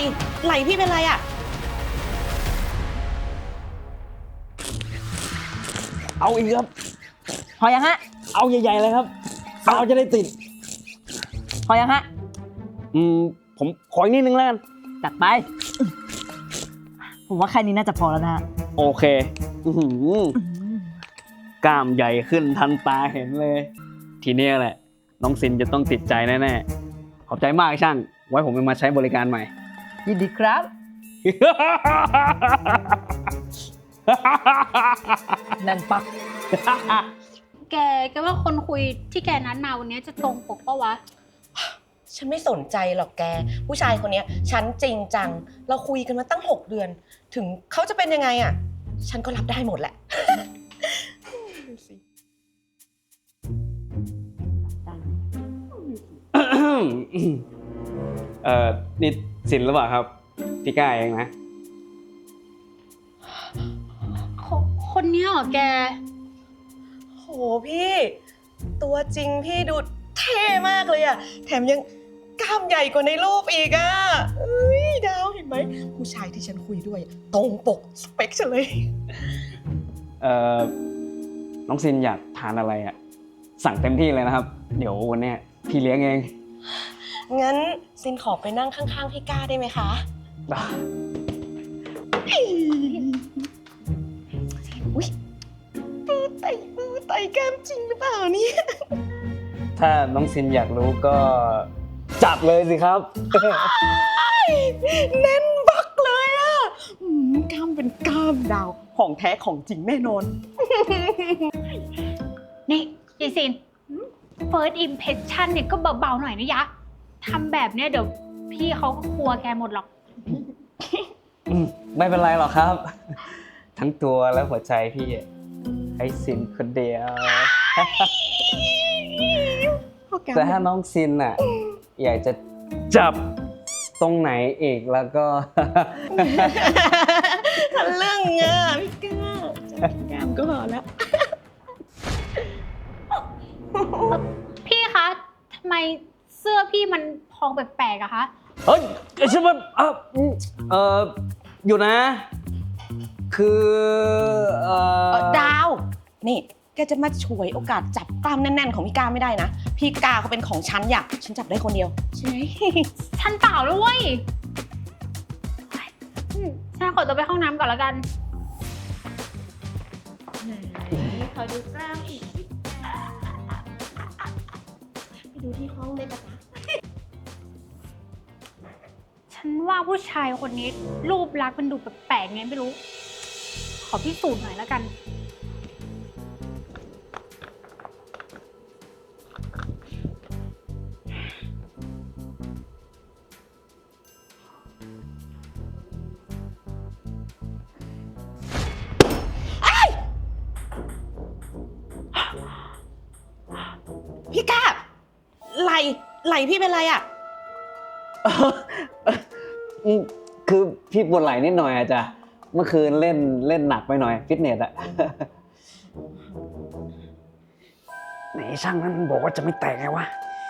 ไหลพี่เป็นไรอ่ะเอาอีกครับพอยังฮะเอาใหญ่ๆเลยครับเอาจะได้ติดพอยังฮะผมขออีกนิดนึงแล้วกันจัดไป ผมว่าแค่นี้น่าจะพอแล้วนะฮะโอเคกล้ามใหญ่ขึ้นทันตาเห็นเลย ทีนี้แหละน้องซินจะต้องติดใจแน่ๆขอบใจมากช่าง ไว้ผมจะมาใช้บริการใหม่ยินดีครับ นั่นปักแกว่าคนคุยที่แกนัดมาวันนี้จะตรงปกปะวะฉันไม่สนใจหรอกแกผู้ชายคนนี้ฉันจริงจังเราคุยกันมาตั้ง6 เดือนถึงเขาจะเป็นยังไงอ่ะฉันก็รับได้หมดแหละนี่ซินหรือเปล่าครับพี่ก้าเองนะคนนี้เหรอแกโหพี่ตัวจริงพี่ดูเท่มากเลยอ่ะแถมยังกล้ามใหญ่กว่าในรูปอีกอ่ะเอ้ยดาวเห็นไหมผู้ชายที่ฉันคุยด้วยตรงปกสเปคฉันเลยน้องซินอยากทานอะไรอ่ะสั่งเต็มที่เลยนะครับเดี๋ยววันเนี้ยพี่เลี้ยงเองงั้นซินขอไปนั่งข้างๆพี่ก้าได้ไหมคะอุ๊ยมือไต่แก้มจริงหรือเปล่าเนี่ยถ้าน้องซินอยากรู้ก็จับเลยสิครับแน่นบักเลยอ่ะกล้ามเป็นกล้ามดาวของแท้ของจริงแน่นอนนี่ยายซิน first impression เนี่ยก็เบาๆหน่อยนะยะทำแบบเนี้ยเดี๋ยวพี่เขาก็กลัวแกหมดหรอกไม่เป็นไรหรอกครับ ทั้งตัวและหัวใจพี่ให้ซินคนเดียว แต่ถ้าน้องซินอ่ะอยากจะจับตรงไหนอีกแล้วก็ทะลึ่งอ่ะพี่ก้าจับแก้มก็พอแล้วพี่คะทำไมเสื้อพี่มันพองแปลกๆอะคะเฮ้ยใช่ไหมอยู่นะ คือดาว นี่แกจะมาฉวยโอกาสจับกล้ามแน่นๆของพี่ก้าไม่ได้นะ พี่ก้าเขาเป็นของฉันฉันจับได้คนเดียวใช่ไหมฉันเปล่าแล้วเว้ยฉันขอตัวไปห้องน้ำก่อนแล้วกันขอดูกล้ามอีกไปดูที่ห้องเลยปะคะฉันว่าผู้ชายคนนี้รูปลักษณ์มันดูแปลกๆไงไม่รู้ ขอพิสูจน์หน่อยแล้วกันพี่ก้าไหลพี่เป็นไรอ่ะคือพี่ปวดไหล่นิดหน่อยอะจ้ะเมื่อคืนเล่นหนักไปหน่อยฟิตเนสอะ ไหนช่างนั้นบอกว่าจะไม่แตกไงวะ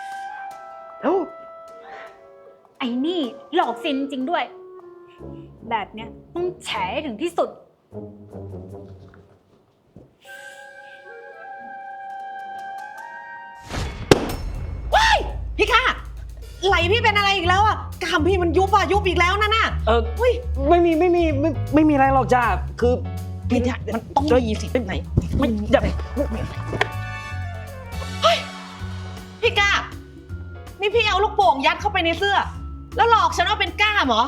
ไอ้นี่หลอกซินจริงด้วย แบบเนี้ยต้องแฉให้ถึงที่สุดพี่ก้าไหลพี่เป็นอะไรอีกแล้วอ่ะกล้ามพี่มันยุบอีกแล้วนั่นน่ะไม่มีอะไรหรอกจ้าคือพี่เนี่ยมันต้องมีสิไหนไม่อย่าพี่ก้านี่พี่เอาลูกโป่งยัดเข้าไปในเสื้อ แล้วหลอกฉันว่าเป็นก้ามเหรอ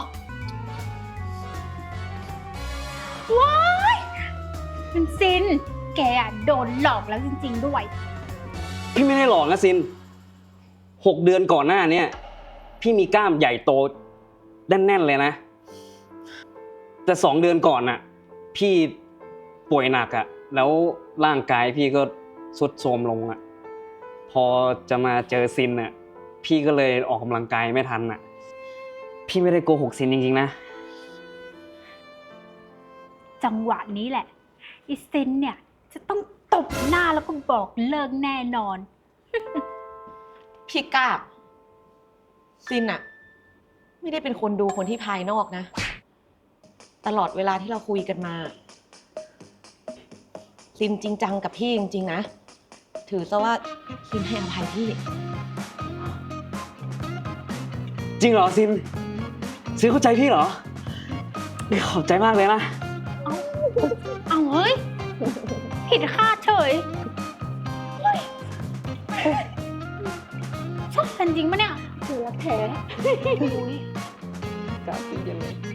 ว้ายมันซิน แกอะโดนหลอกแล้วจริงๆด้วยพี่ไม่ได้หลอกนะซิน6 เดือนก่อนหน้าเนี่ยพี่มีกล้ามใหญ่โตแน่นๆเลยนะ แต่2 เดือนก่อนน่ะพี่ป่วยหนักอะแล้วร่างกายพี่ก็ทรุดโทรมลงอะพอจะมาเจอซินน่ะพี่ก็เลยออกกำลังกายไม่ทันน่ะพี่ไม่ได้โกหกซินจริงๆนะจังหวะนี้แหละอีซินเนี่ยจะต้องตบหน้าแล้วก็บอกเลิกแน่นอนพี่ก้าซินอะไม่ได้เป็นคนดูคนที่ภายนอกนะ ตลอดเวลาที่เราคุยกันมา ซินจริงจังกับพี่จริงๆนะ ถือซะว่าซินให้อภัยพี่จริงเหรอซินซินเข้าใจพี่เหรอขอบใจมากเลยนะเอาเฮ้ย ผิดคาดเฉยเฮ้ยชอบกันจริงปะเนี่ยคือรักแท้อุ๊ยกล้าพี่ยังไง